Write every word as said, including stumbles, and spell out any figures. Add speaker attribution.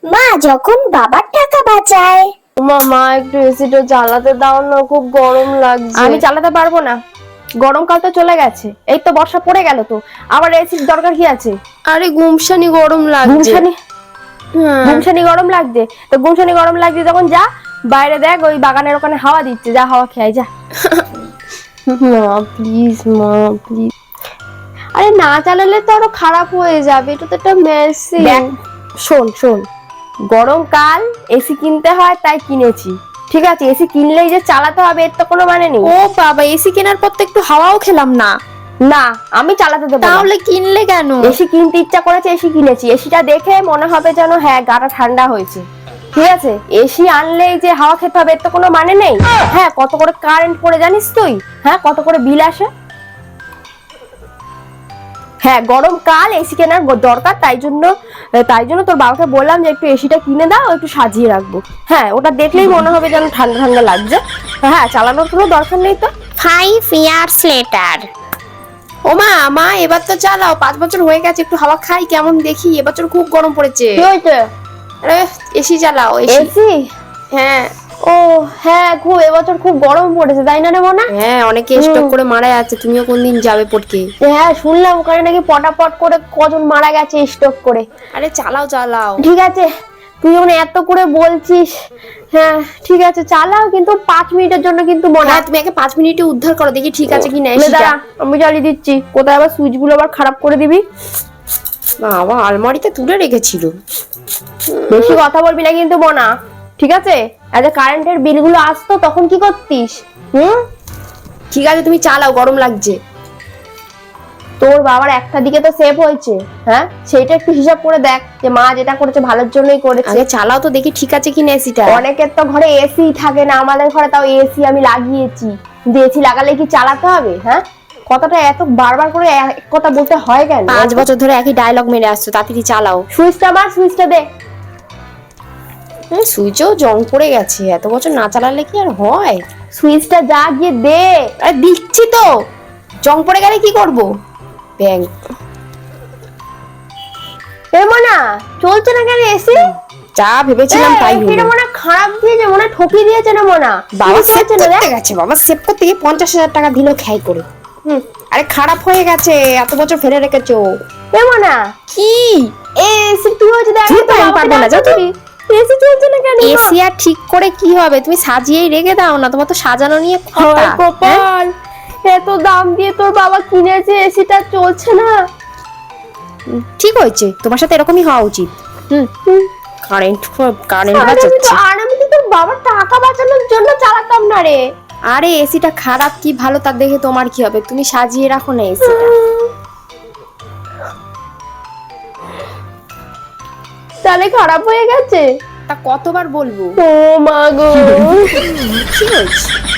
Speaker 1: মা যখন বাবার টাকা বাঁচায়।
Speaker 2: মামা একটু এসিটা চালাতে দাও না, খুব গরম লাগছে। আমি চালাতে পারবো না, গরমকাল তো চলে গেছে, এই তো বর্ষা পড়ে গেল, তো আবার এসির দরকার কি আছে?
Speaker 3: আরে গুমসানি গরম লাগছে।
Speaker 2: গুমসানি
Speaker 3: হ্যাঁ
Speaker 2: গুমসানি গরম লাগছে তো গুমসানি গরম লাগছে যখন যা বাইরে দেখ, ওই বাগানের ওখানে হাওয়া দিচ্ছে, যা হাওয়া খেয়ে যা।
Speaker 3: মা প্লিজ, মা প্লিজ। আরে না চালালে তো আরো খারাপ হয়ে যাবে, এটা তো একটা মেশিন।
Speaker 2: দেখ শোন শোন, গরমকাল এসি কিনতে হয় তাই কিনেছি, ঠিক আছে? এসি কিনলেই যে চালাতে হবে এর তো কোনো মানে নেই।
Speaker 3: ও বাবা, এসি কেনার পর তো একটু হাওয়াও খেলাম না।
Speaker 2: না, আমি চালাতে দেবো না।
Speaker 3: তাহলে কিনলে কেন?
Speaker 2: এসি কিনতে ইচ্ছা করেছে, এসি কিনেছি। এসিটা দেখে মনে হবে যেন হ্যাঁ গাটা ঠান্ডা হয়েছে, ঠিক আছে? এসি আনলেই যে হাওয়া খেতে হবে এর তো কোনো মানে নেই। হ্যাঁ, কত করে কারেন্ট পড়ে জানিস তুই? হ্যাঁ, কত করে বিল আসে? হ্যাঁ, গরমকাল এসি কেনার দরকার, তাই জন্য তাই জন্য তোর বাবাকে বললাম যে একটু এসিটা কিনে দাও, একটু সাজিয়ে রাখবো। হ্যাঁ, ওটা দেখলেই মনে হবে যেন ঠান্ডা ঠান্ডা লাগছে। হ্যাঁ, চালানোর কোনো দরকার নেই তো।
Speaker 1: Five years later.
Speaker 3: ও মা, মা এবার তো চালাও, পাঁচ বছর হয়ে গেছে, একটু হাওয়া খাই কেমন দেখি। এবছর খুব গরম পড়েছে।
Speaker 2: কি হয়েছে?
Speaker 3: আরে এসি চালাও, এসি।
Speaker 2: এসি?
Speaker 3: হ্যাঁ
Speaker 2: ও হ্যাঁ, খুব এবছর খুব গরম পড়েছে, তাই না রে মনা?
Speaker 3: হ্যাঁ, অনেকে স্টক করে মারা যাচ্ছে, তুমিও কোনদিন যাবে পড়কে।
Speaker 2: হ্যাঁ, শুনলাম ওখানে নাকি পটাপট করে কজন মারা গেছে স্ট্রোক করে।
Speaker 3: আরে চালাও চালাও।
Speaker 2: ঠিক আছে, তুই যখন এত করে বলছিস, হ্যাঁ ঠিক আছে চালাও, কিন্তু পাঁচ মিনিটের জন্য কিন্তু মনে
Speaker 3: হ্যাঁ, তুমি আগে পাঁচ মিনিটে উদ্ধার করো, দেখি ঠিক আছে কি না
Speaker 2: নে
Speaker 3: এসিটা।
Speaker 2: দাঁড়া, আমি জ্বালিয়ে দিচ্ছি। কোথায় আবার সুইচ গুলো আবার খারাপ করে দিবি?
Speaker 3: বাবা, আলমারিতে তুলে রেখেছিল।
Speaker 2: বেশি কথা বলবি না কিন্তু মনা, ঠিক আছে? আজ কারেন্টের বিল গুলো আসতো তখন কি করতিস? হুম,
Speaker 3: ঠিক আছে তুমি চালাও, গরম লাগছে।
Speaker 2: তোর বাবার একটা দিকে তো সেভ হয়েছে, হ্যাঁ সেইটা একটু হিসাব করে দেখ যে মা যেটা করেছে ভালোর জন্যই করেছে।
Speaker 3: আগে চালাও তো দেখি ঠিক আছে কি না এসিটা।
Speaker 2: অনেকের তো ঘরে এসি থাকে না, আমাদের ঘরে তাও এসি আমি লাগিয়েছি, কিন্তু এসি লাগালে কি চালাতে হবে? হ্যাঁ, কথাটা এত বারবার করে এক কথা বলতে হয় কেন?
Speaker 3: পাঁচ বছর ধরে একই ডায়লগ মেরে আসছো, তাড়াতাড়ি চালাও।
Speaker 2: সুইচটা মার, সুইচটা দে।
Speaker 3: সুইচও জং পড়ে গেছে, এত বছর না চালালে কি আর হয়?
Speaker 2: সুইচটা যা গিয়ে দে।
Speaker 3: আরে দিচ্ছি তো, জং পড়ে গেলে কি করব? ব্যাং।
Speaker 2: এমন না চলছে না কেন এসি?
Speaker 3: যা ভেবেছিলাম তাই হলো।
Speaker 2: এটা মনে খারাপ দিয়েছে, মনে ঠকিয়ে দিয়েছে না মনা।
Speaker 3: বাবা সেভ
Speaker 2: চলছে না
Speaker 3: করতে গেছে, বাবা সেভ করতে গিয়ে পঞ্চাশ হাজার টাকা দিল খাই করে। হুম, আরে খারাপ হয়ে গেছে, এত বছর ফেলে রেখেছো।
Speaker 2: এমন না
Speaker 3: কি
Speaker 2: এসি কি হয়েছে দেখ।
Speaker 3: তুই তো আমি পারবো না, যাও তো।
Speaker 2: এসি চলছে না কেন?
Speaker 3: এসি আর ঠিক করে কি হবে? তুমি সাজিয়েই রেখে দাও না, তোমার তো সাজানো নিয়ে কথা।
Speaker 2: হায়
Speaker 3: হ্যাঁ?
Speaker 2: কপাল, এত দাম দিয়ে তোর বাবা কিনেছে, এসিটা চলছে না।
Speaker 3: ঠিক হয়েছে, তোমার সাথে এরকমই হওয়া উচিত। হুম, কারেন্ট কারেন্ট
Speaker 2: আর আমি তো
Speaker 3: বাঁচাচ্ছে।
Speaker 2: আর আমি তো তোর বাবার টাকা বাঁচানোর জন্য চালাতাম না রে।
Speaker 3: আরে এসিটা খারাপ কি ভালো তা দেখে তোমার কি হবে? তুমি সাজিয়ে রাখো না এসিটা।
Speaker 2: তাহলে খারাপ হয়ে গেছে?
Speaker 3: তা কতবার বলবো?
Speaker 2: ও মা গো।
Speaker 3: কি হয়েছে?